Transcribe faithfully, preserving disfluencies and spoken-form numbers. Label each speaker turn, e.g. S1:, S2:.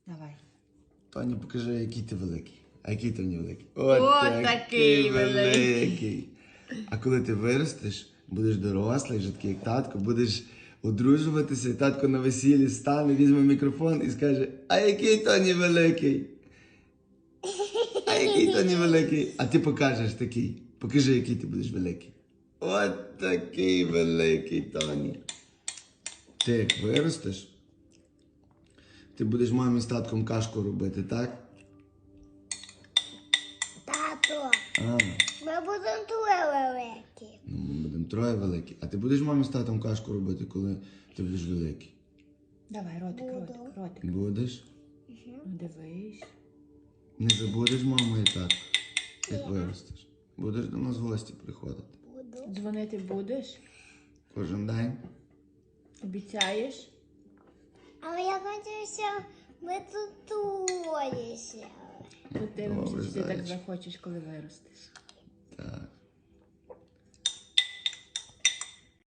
S1: Давай.
S2: Тоні, покажи, який ти великий. А який ти не великий?
S1: От
S2: такий
S1: такий великий.
S2: А коли ти виростеш, будеш дорослий, вже такий як татко, будеш одружуватися, і татко на весіллі стане, візьме мікрофон і скаже: а який Тоні великий? А який Тоні великий? А ти покажеш такий. Покажи, який ти будеш великий. От такий великий Тоні. Ти як виростеш, ти будеш мамі з татком кашку робити, так?
S3: Тато,
S2: А,
S3: ми будемо троє великі.
S2: ну ми будемо троє великі. А ти будеш мамі з татом кашку робити, коли ти будеш великий?
S1: Давай, ротик,
S3: Буду.
S1: ротик, ротик.
S2: Будеш?
S1: Ну, дивись.
S2: Не забудеш маму і татку, як виростеш. Будеш до нас в гості приходити.
S3: Буду.
S1: Дзвонити будеш?
S2: Кожен день.
S1: Обіцяєш?
S3: Але я хочу, щоб ми тут троє сіли.
S1: Подивимося,
S2: Добре,
S1: чи ти так
S2: зайчик.
S1: захочеш, коли виростеш.
S2: Так.